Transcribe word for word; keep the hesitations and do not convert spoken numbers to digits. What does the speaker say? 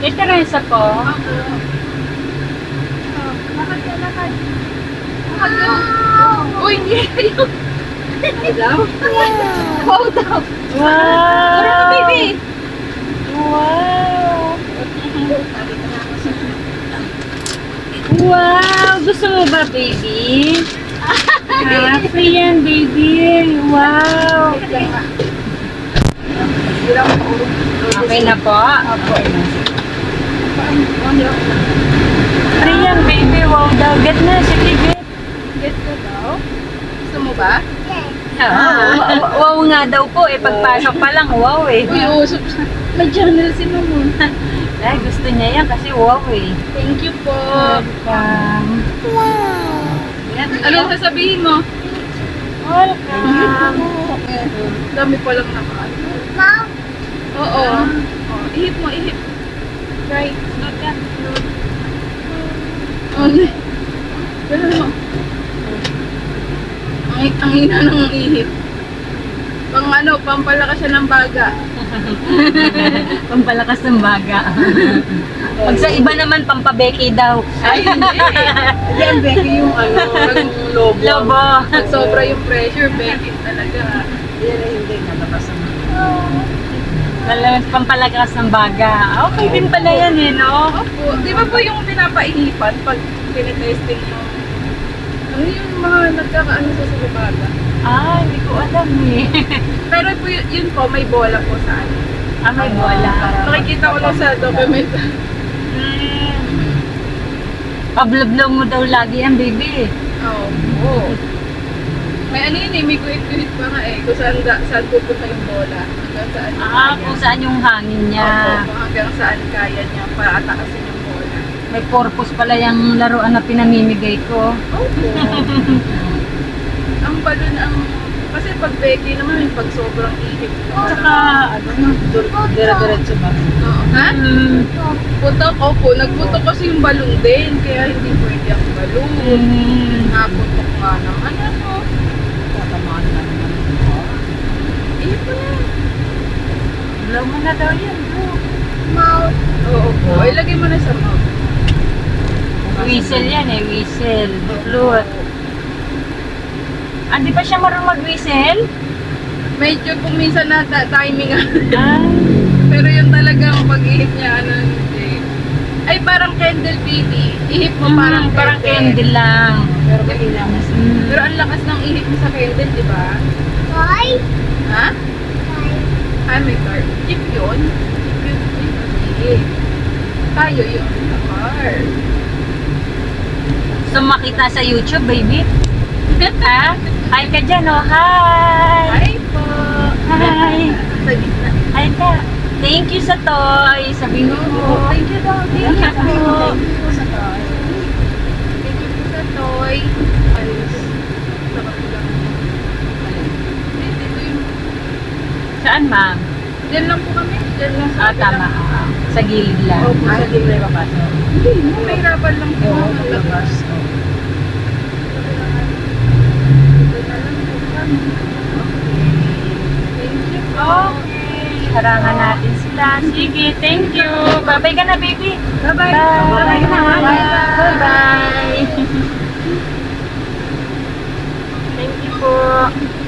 May Teresa po. Ako. Oh, lakad ka, lakad. Lakad ka. Uy, hindi kayo. Ano daw? Wow daw. Wow! Tara na, baby. Wow! Wow! Gusto mo ba, baby? Ah, free yan, baby. Wow! Okay na po? Opo. Free yan, baby. Wow daw. Get na. Sige, get. Get ka daw? Gusto mo ba? Ah, wow, wow nga daw po eh. Pagpasok pa lang, wow eh. Uy, usap siya. May journal si Mamo. Ay, gusto niya yan kasi wow eh. Thank you po. Welcome. Yan. Anong sasabihin mo? Welcome. Dami pa lang naman. Oo. Oh, ihip mo, ihip. Right. Not that. Oh, ganun mo. Ang, ang ina ng ihip. Pang ano, pampalakas siya ng baga. Pampalakas ng baga. Pag sa iba naman, pampabeki daw. Ay, hindi. Hindi, ang Becky yung ano, yung lobo. Lobo. Pag sobra yung pressure, Becky talaga. Yan ay hindi nalabas ang Talagang pampalakas ng baga. Okay din pala yan eh, no? Opo. Di ba po yung pinapaihipan pag tinetesting mo? Ano yung mga nagkakaano sa sulubata? Ah, hindi ko alam eh. Pero po yun, yun po, may bola po sa ano. Ah, may bola. Nakikita ko lang sa document. Hmm. Pablablaw mo daw lagi yan, baby. Oo. Oh, may ano yun eh, may guhit-guhit pa nga eh. Kung saan, da, saan pupunta yung bola. Hanggang saan yung Ah, kaya. kung saan yung hangin niya. Opo, kung hanggang saan kaya niya para atakasin yung bola. May purpose pala yung laruan na pinamimigay ko. Opo. Ang balon ang... Kasi pag Becky naman, yung pag sobrang ihip. Tsaka, ano, dire-diretso ba? Oo. Ha? mm, Putok, opo. Nagputok kasi yung balon din. Kaya hindi pwede ang balon. mm, Naputok nga naman. Ano? Tatamaan na naman. Ihip ko na. blow mo na daw yan, bro. Oo po. Ilagay mo na sa mouth. Whistle yan eh, whistle. Flute. Ah, di pa siya marunong mag-whistle? Medyo kung minsan na ta- timing Ah, pero yung talagang pag-ihip niya, ano, hindi. Ay, parang candle baby. Ihip mo parang parang, parang candle lang. Pero kanina mas Mm. Pero ang lakas ng ihip mo sa candle, di ba? Ha? Ay, may car. Jeep yun. Jeep yun. Jeep ang ihip. Tayo yun. Sa car. So makita sa YouTube, baby? Ha? Hi ka dyan, oh. Hi! Hi po. Hi! Sa gitna. Hi ka. Thank you sa toy. Sabi mo. Oh, thank you daw. Thank you po. Thank you sa tayo. Thank you po sa toy. Ayos. Sarap lang. Hindi, dito yung... Saan, ma'am? Diyan lang po kami. Diyan lang sa Ah, tama. kabilang- Sa gilid lang. Opo, Ay, sa hindi may papasok. Hindi, may hirapan lang po. Oo, Ang labas. labas. Thank you po. Okay. Harangan natin sila. Sige, thank you. Bye-bye ka na, baby. Bye-bye. Bye-bye na. Bye-bye. Bye-bye. Thank you po.